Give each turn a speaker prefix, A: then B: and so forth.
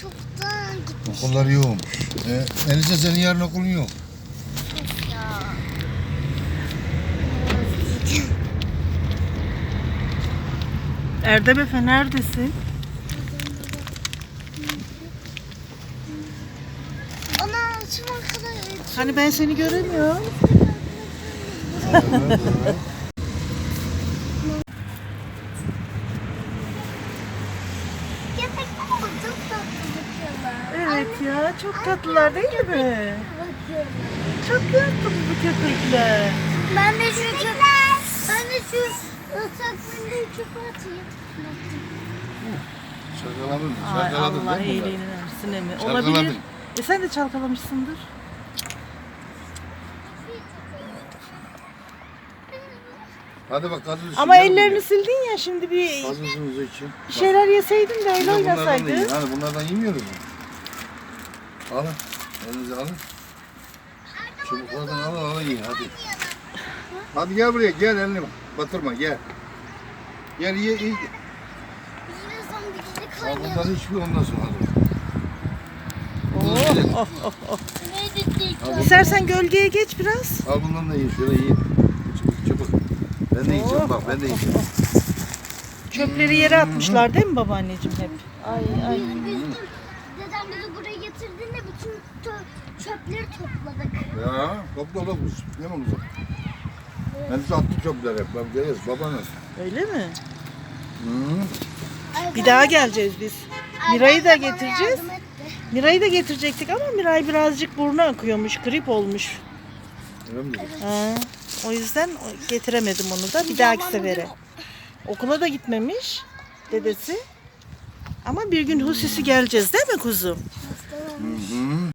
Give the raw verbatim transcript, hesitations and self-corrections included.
A: çoktan gitmiş.
B: Okulları yoğun. Ee, Elisa senin yarın okulun yok.
A: Ya.
C: Erdem Efe neredesin?
A: Ana şu kadar.
C: Hani ben seni göremiyorum.
A: Köpekler ama çok tatlı bakıyorlar.
C: Evet ya, çok tatlılar değil mi?
A: Bakıyorlar.
C: Çok tatlı bu köpekler.
A: Ben de şu köpek. Ben de şu ıslaklarını çöpe atayım.
B: Şakaladın.
C: Ay
B: Şakaladın
C: Allah
B: değil mi?
C: iyiliğini versin emi.
B: Çalkaladın.
C: Olabilir. E sen de çalkalamışsındır.
B: Hadi bak gazı
C: Ama ellerini sildin ya, şimdi bir
B: Gazınızı için.
C: bir şeyler yeseydin de öyle
B: Bunlardan da
C: oynasaydın.
B: yiyin. Hani bunlardan yemiyoruz mu? Alın. Elinize alın. Çubuklardan alın alın yiyin hadi. Hadi gel buraya gel elini batırma gel. Gel ye ye.
A: Yine son bir
B: Ya
A: kaynıyor.
B: bundan hiçbir ondan sonra hadi.
C: Oh, oh, oh, oh.
A: Ne dedik?
B: Hadi.
C: İstersen gölgeye geç biraz.
B: Al bundan da yiyin şöyle yiyin. Çubuk çubuk. Ben de yiyeceğim bak ben de yiyeceğim.
C: Çöpleri yere atmışlar değil mi babaanneciğim hep? Ay ay.
A: Dedem bizi buraya getirdiğinde bütün tö- çöpleri topladık.
B: Ya topla da bu. Ne olacak? Ben size attım çöpler hep. Ben geliriz babanız.
C: Öyle mi?
B: Hı.
C: Bir daha geleceğiz biz. Miray'ı da
A: Annem de bana
C: getireceğiz.
A: yardım etti.
C: Miray'ı da getirecektik ama Miray birazcık burnu akıyormuş, grip olmuş.
B: Öyle mi dedik?
C: Ha, o yüzden getiremedim onu da bir dahaki sefere. Okula da gitmemiş dedesi. Ama bir gün hususi geleceğiz değil mi kuzum?
B: Hı hı.